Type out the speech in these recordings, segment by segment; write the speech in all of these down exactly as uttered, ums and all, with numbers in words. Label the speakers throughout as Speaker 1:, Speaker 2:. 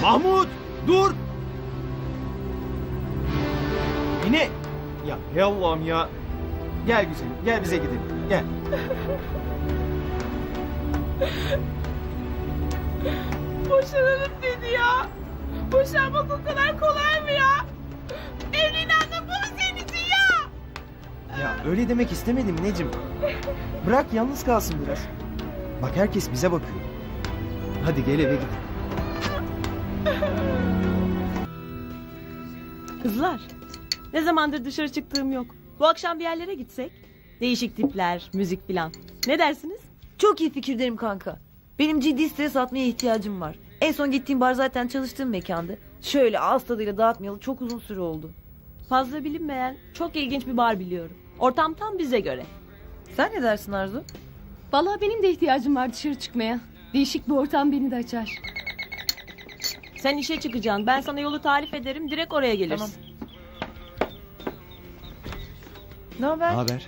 Speaker 1: Mahmut dur. Yine. Ya hey Allah'ım ya. Gel güzelim gel bize gidelim gel.
Speaker 2: Boşanalım dedi ya. Boşanmak o kadar kolay mı ya? Evliliğin anlamı bu mu senin için ya?
Speaker 1: Ya öyle demek istemedim Necim. Bırak yalnız kalsın biraz. Bak herkes bize bakıyor. Hadi gel eve gidelim.
Speaker 3: Kızlar, ne zamandır dışarı çıktığım yok. Bu akşam bir yerlere gitsek? Değişik tipler, müzik filan. Ne dersiniz?
Speaker 4: Çok iyi fikir derim kanka. Benim ciddi stres atmaya ihtiyacım var. En son gittiğim bar zaten çalıştığım mekandı. Şöyle ağız tadıyla dağıtmayalı çok uzun süre oldu.
Speaker 3: Fazla bilinmeyen, çok ilginç bir bar biliyorum. Ortam tam bize göre.
Speaker 4: Sen ne dersin Arzu?
Speaker 5: Vallahi benim de ihtiyacım var dışarı çıkmaya. Değişik bir ortam beni de açar.
Speaker 3: Sen işe çıkacaksın. Ben sana yolu tarif ederim. Direkt oraya gelirsin.
Speaker 4: Ne haber?
Speaker 6: Ne haber?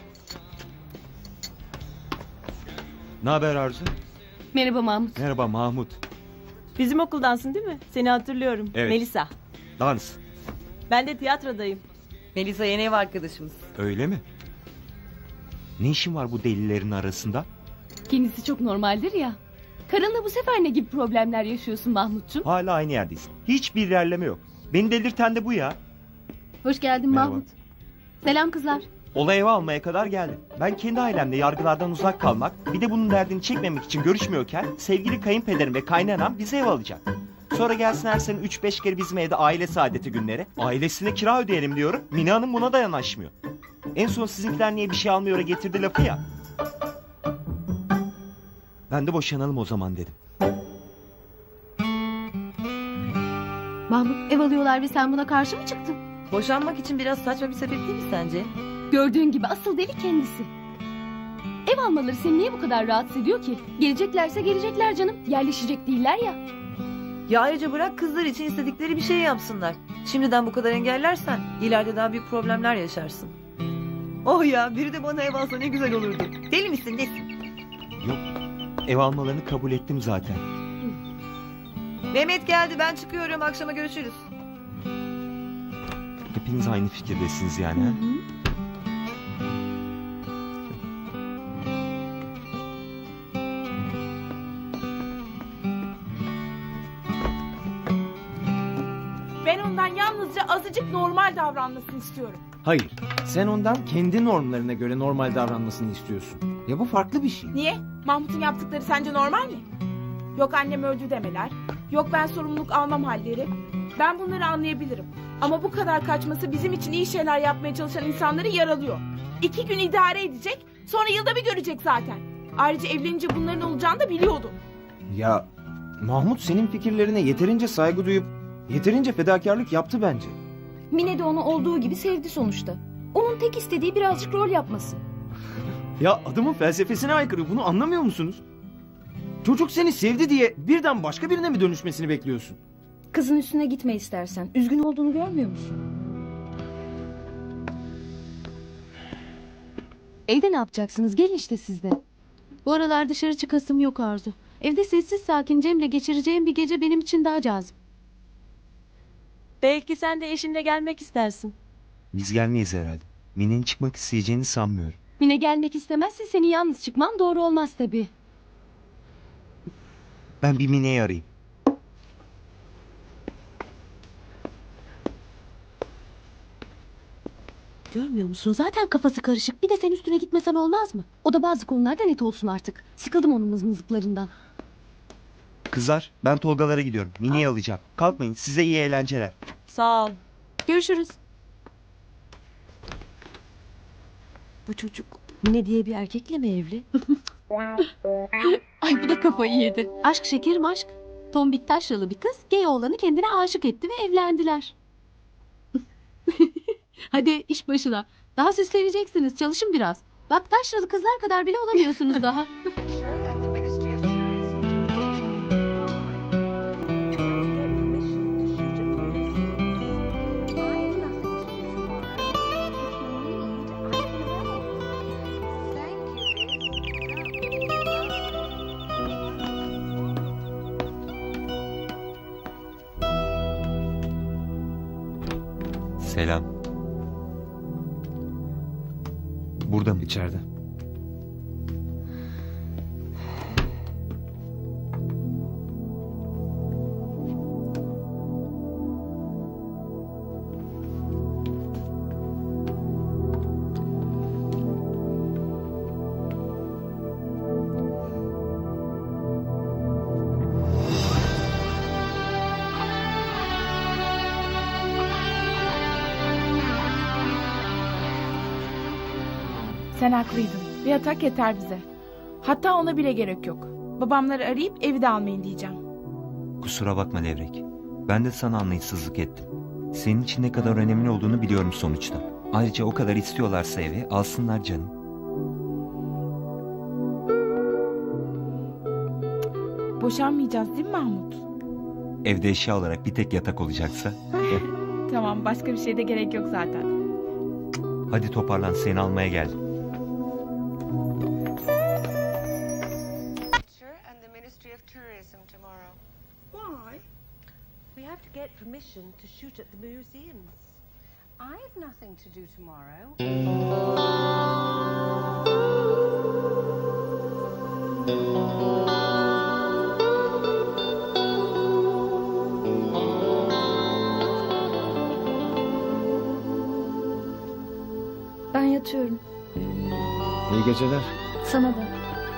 Speaker 6: Ne haber Arzu?
Speaker 5: Merhaba Mahmut.
Speaker 6: Merhaba Mahmut.
Speaker 3: Bizim okuldansın değil mi? Seni hatırlıyorum.
Speaker 6: Evet.
Speaker 3: Melisa.
Speaker 6: Dans.
Speaker 3: Ben de tiyatrodayım.
Speaker 4: Melisa yeni ev arkadaşımız.
Speaker 6: Öyle mi? Ne işin var bu delilerin arasında?
Speaker 5: Kendisi çok normaldir ya. Karınla bu sefer ne gibi problemler yaşıyorsun Mahmutcuğum?
Speaker 6: Hala aynı yerdeyiz. Hiçbir ilerleme yok. Beni delirten de bu ya.
Speaker 5: Hoş geldin
Speaker 6: Merhaba.
Speaker 5: Mahmut. Selam kızlar.
Speaker 6: Olay eve almaya kadar geldim. Ben kendi ailemle yargılardan uzak kalmak, bir de bunun derdini çekmemek için görüşmüyorken sevgili kayınpederim ve kaynanam bize ev alacak. Sonra gelsin her sene üç beş kere bizim evde aile saadeti günleri. Ailesine kira ödeyelim diyorum. Mine Hanım buna da yanaşmıyor. En son sizinkiler niye bir şey almıyor getirdi lafı ya. Ben de boşanalım o zaman dedim.
Speaker 5: Mahmut ev alıyorlar ve sen buna karşı mı çıktın?
Speaker 4: Boşanmak için biraz saçma bir sebep değil mi sence?
Speaker 5: Gördüğün gibi asıl deli kendisi. Ev almaları seni niye bu kadar rahatsız ediyor ki? Geleceklerse gelecekler canım. Yerleşecek değiller ya.
Speaker 4: Ya ayrıca bırak kızlar için istedikleri bir şey yapsınlar. Şimdiden bu kadar engellersen ileride daha büyük problemler yaşarsın. Oh ya biri de bana ev alsa ne güzel olurdu. Deli misin nesin?
Speaker 6: Yok, ev almalarını kabul ettim zaten.
Speaker 4: Mehmet geldi ben çıkıyorum akşama görüşürüz.
Speaker 6: Hepiniz aynı fikirdesiniz yani. ha?
Speaker 2: Ben ondan yalnızca azıcık normal davranmasını istiyorum.
Speaker 1: Hayır sen ondan kendi normlarına göre normal davranmasını istiyorsun. Ya bu farklı bir şey.
Speaker 2: Niye? Mahmut'un yaptıkları sence normal mi? Yok annem öldü demeler. Yok ben sorumluluk almam halleri. Ben bunları anlayabilirim. Ama bu kadar kaçması bizim için iyi şeyler yapmaya çalışan insanları yaralıyor. İki gün idare edecek, sonra yılda bir görecek zaten. Ayrıca evlenince bunların olacağını da biliyordu.
Speaker 1: Ya Mahmut senin fikirlerine yeterince saygı duyup yeterince fedakarlık yaptı bence.
Speaker 5: Mine de onu olduğu gibi sevdi sonuçta. Onun tek istediği birazcık rol yapması.
Speaker 1: Ya adamın felsefesine aykırı bunu anlamıyor musunuz? Çocuk seni sevdi diye birden başka birine mi dönüşmesini bekliyorsun?
Speaker 5: Kızın üstüne gitme istersen. Üzgün olduğunu görmüyor musun?
Speaker 7: Evde ne yapacaksınız? Gelin işte siz de. Bu aralar dışarı çıkasım yok Arzu. Evde sessiz sakin Cem'le geçireceğim bir gece benim için daha cazip.
Speaker 3: Belki sen de eşinle gelmek istersin.
Speaker 6: Biz gelmeyiz herhalde. Mine'nin çıkmak isteyeceğini sanmıyorum.
Speaker 7: Mine gelmek istemezse seni yalnız çıkman doğru olmaz tabii.
Speaker 6: Ben bir Mine'yi arayayım.
Speaker 7: Görmüyor musun? Zaten kafası karışık. Bir de sen üstüne gitmesen olmaz mı? O da bazı konularda net olsun artık. Sıkıldım onun mızmızlıklarından.
Speaker 6: Kızlar ben Tolgalara gidiyorum. Mine'yi alacağım. Kalkmayın size iyi eğlenceler.
Speaker 3: Sağ ol.
Speaker 7: Görüşürüz. Bu çocuk Mine diye bir erkekle mi evli? Ay bu da kafayı yedi. Aşk şekerim aşk. Tombik taşralı bir kız gay oğlanı kendine aşık etti ve evlendiler. Hadi iş başına. Daha süsleneceksiniz. Çalışın biraz. Bak taşralı kızlar kadar bile olamıyorsunuz daha.
Speaker 6: Selam. Burada mı?
Speaker 1: İçeride.
Speaker 2: Sen haklıydın. Bir yatak yeter bize. Hatta ona bile gerek yok. Babamları arayıp evi de almayın diyeceğim.
Speaker 6: Kusura bakma Levrek. Ben de sana anlayışsızlık ettim. Senin için ne kadar önemli olduğunu biliyorum sonuçta. Ayrıca o kadar istiyorlarsa evi alsınlar canım.
Speaker 2: Boşanmayacağız değil mi Mahmut?
Speaker 6: Evde eşya olarak bir tek yatak olacaksa.
Speaker 2: Tamam, başka bir şeye de gerek yok zaten.
Speaker 6: Hadi toparlan, seni almaya geldim.
Speaker 8: and the Ministry of Tourism tomorrow.
Speaker 9: Why? We have to get permission to shoot at the museums.
Speaker 8: I have nothing to do tomorrow.
Speaker 5: Ben yatıyorum.
Speaker 1: İyi geceler.
Speaker 5: Sana da.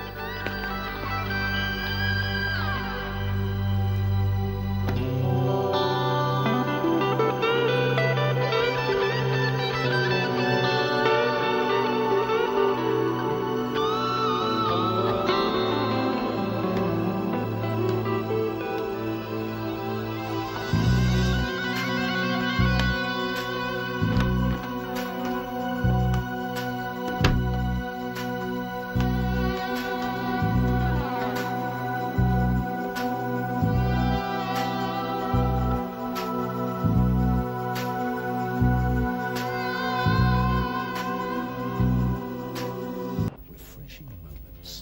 Speaker 10: Refreshing moments.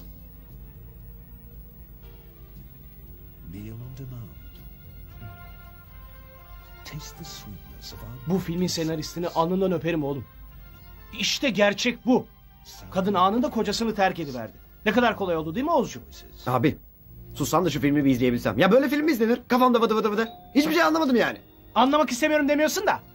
Speaker 10: Meal on demand. Taste the sweetness of our
Speaker 11: Bu filmin senaristini alnından öperim oğlum. İşte gerçek bu. Kadın anında kocasını terk ediverdi. Ne kadar kolay oldu değil mi Oğuzcuğum?
Speaker 1: Abi sussan da şu filmi bir izleyebilsem. Ya böyle film mi izlenir? Kafamda vıdı vıdı vıdı. Hiçbir şey anlamadım yani.
Speaker 11: Anlamak istemiyorum demiyorsun da.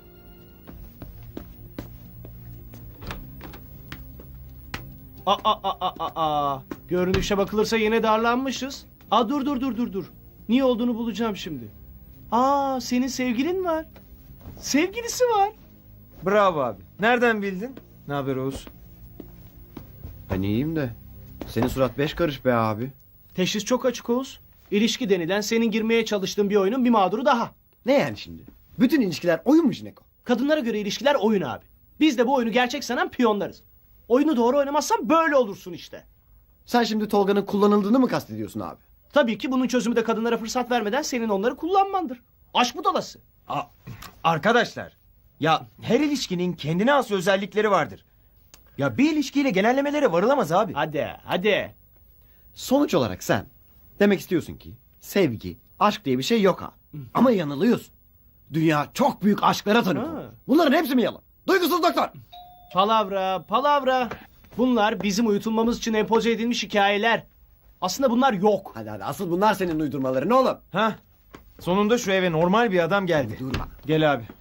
Speaker 11: Aa, aa, aa, aa, aa. Görünüşe bakılırsa yine darlanmışız. Aa, dur dur dur dur dur. Niye olduğunu bulacağım şimdi. Aa, senin sevgilin var. Sevgilisi var.
Speaker 1: Bravo abi. Nereden bildin? Ne haber Oğuz? Ben iyiyim de. Senin surat beş karış be abi.
Speaker 11: Teşhis çok açık Oğuz. İlişki denilen senin girmeye çalıştığın bir oyunun bir mağduru daha.
Speaker 1: Ne yani şimdi? Bütün ilişkiler oyunmuş Neko.
Speaker 11: Kadınlara göre ilişkiler oyun abi. Biz de bu oyunu gerçek sanan piyonlarız. Oyunu doğru oynamazsan böyle olursun işte.
Speaker 1: Sen şimdi Tolga'nın kullanıldığını mı kastediyorsun abi?
Speaker 11: Tabii ki bunun çözümü de kadınlara fırsat vermeden senin onları kullanmandır. Aşk budalası.
Speaker 12: Arkadaşlar, ya her ilişkinin kendine has özellikleri vardır. Ya bir ilişkiyle genellemelere varılamaz abi.
Speaker 11: Hadi hadi.
Speaker 1: Sonuç olarak sen demek istiyorsun ki sevgi, aşk diye bir şey yok abi. Ama yanılıyorsun. Dünya çok büyük aşklara tanık
Speaker 11: Ha.
Speaker 1: olmuş. Bunların hepsi mi yalan? Duygusuz doktor.
Speaker 11: Palavra, palavra. Bunlar bizim uyutulmamız için empoze edilmiş hikayeler. Aslında bunlar yok.
Speaker 1: Hadi hadi asıl bunlar senin uydurmaların oğlum.
Speaker 12: Ha? Sonunda şu eve normal bir adam geldi.
Speaker 1: Durma.
Speaker 12: Gel abi.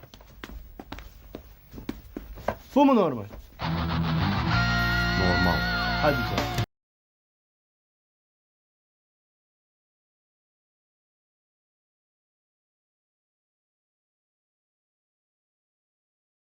Speaker 11: Bu mu normal?
Speaker 1: Normal.
Speaker 11: Hadi canım.